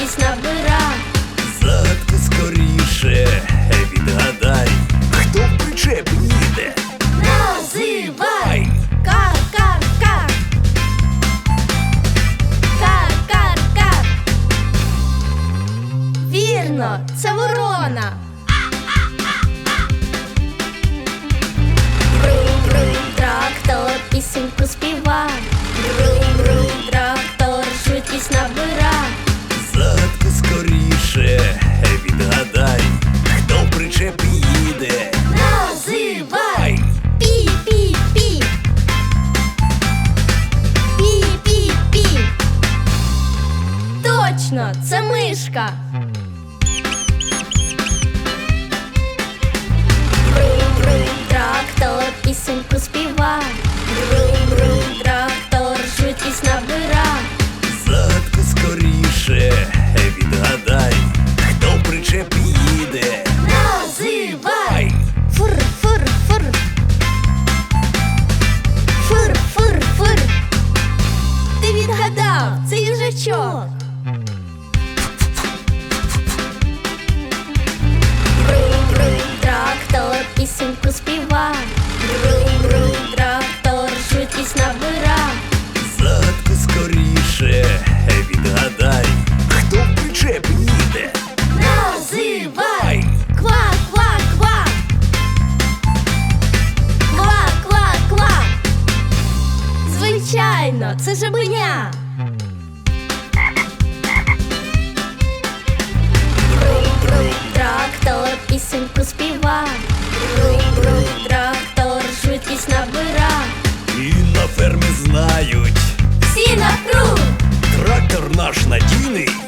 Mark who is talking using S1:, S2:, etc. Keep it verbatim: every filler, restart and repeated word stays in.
S1: швидкість набира.
S2: Загадку скоріше відгадай, хто в причепі їде.
S1: Називай! Кар-кар-кар! Кар-кар-кар! Вірно, це ворона! Брум-брум, трактор пісеньку співа. Брум-брум, трактор швидкість набира.
S2: Загадку скоріше відгадай, хто в причепі їде.
S1: Називай! Пі-пі-пі! Пі-пі-пі! Точно, це мишка! Брум-брум, трактор пісеньку співа. Брум-брум, трактор швидкість набира.
S2: Загадку скоріше відгадай, хто в причепі їде.
S1: Називай! Фур-фур-фур! Фур-фур-фур! Ти відгадав, це їжачок! Брум-брум, трактор пісеньку співа. Брум-брум, трактор швидкість набира.
S2: Загадку скоріше відгадай, хто в причепі їде.
S1: Називай! Ква-ква-ква! Ква-ква-ква! Звичайно, це жабеня! Брум-брум, трактор пісеньку співа. Брум-брум, трактор швидкість набира.
S2: І на фермі знають,
S1: Всі навкруг!
S2: трактор наш надійний